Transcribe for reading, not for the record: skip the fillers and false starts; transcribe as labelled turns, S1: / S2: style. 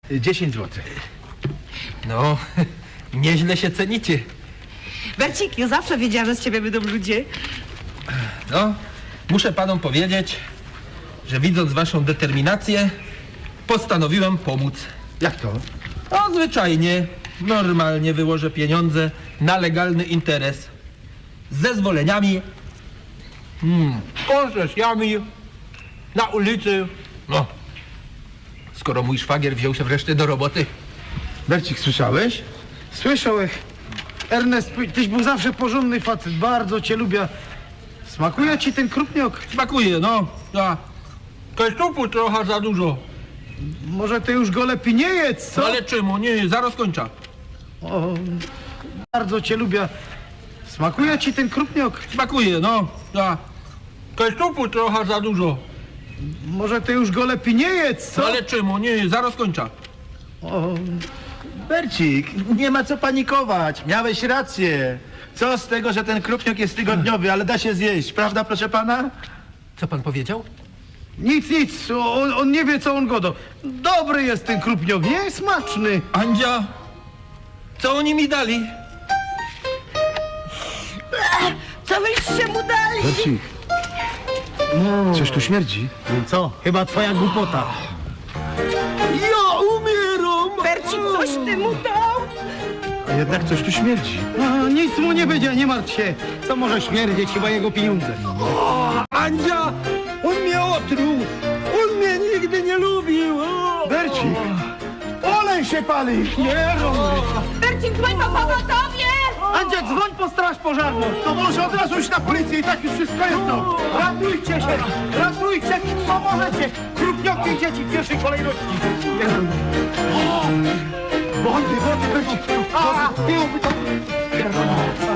S1: 10 zł.
S2: No, nieźle się cenicie.
S3: Bercik, ja zawsze wiedziałam, że z ciebie będą ludzie.
S2: No, muszę panom powiedzieć, że widząc waszą determinację, postanowiłem pomóc.
S1: Jak to?
S2: No, zwyczajnie, normalnie wyłożę pieniądze na legalny interes. Z zezwoleniami, koncesjami, na ulicy. No, skoro mój szwagier wziął się wreszcie do roboty.
S1: Bercik, słyszałeś?
S4: Słyszałeś? Ernest, tyś był zawsze porządny facet, bardzo cię lubię. Smakuje ci ten krupniok?
S2: Smakuje, no. Ja. Kajstupu trochę za dużo.
S4: Może ty już go lepiej nie jedz, co?
S2: Ale czemu? Nie, zaraz kończę.
S4: O, bardzo cię lubię. Smakuje ci ten krupniok?
S2: Smakuje, no. Ja. Kajstupu trochę za dużo.
S4: Może ty już go lepiej nie jedz, co?
S2: Ale czemu? Nie, zaraz kończę.
S4: O,
S1: Bercik, nie ma co panikować. Miałeś rację. Co z tego, że ten krupniok jest tygodniowy, ale da się zjeść, prawda, proszę pana?
S2: Co pan powiedział?
S4: nic, on nie wie, co on godo. Dobry jest ten krupniok, nie? Smaczny.
S2: Andzia, co oni mi dali?
S3: Co wyście mu dali?
S1: Bercik, coś tu śmierdzi.
S4: Co? Chyba twoja głupota.
S2: Ja umieram!
S3: Bercik, coś ty mu dał?
S1: A jednak coś tu śmierdzi.
S4: Nic mu nie będzie, nie martw się. Co może śmierdzieć, chyba jego pieniądze.
S2: Andzia, on mnie otruł! On mnie nigdy nie lubił! O!
S1: Bercik, olej się pali!
S4: Nie,
S3: Bercik, dzwoń po pogotowie!
S4: Andzia, dzwoń po straż pożarną.
S1: To może od razu iść na policję i tak już wszystko jedno.
S4: Ratujcie się! Ratujcie, co możecie! Krupnioki i dzieci w pierwszej kolejności!
S1: Wody, Bercik!
S4: A,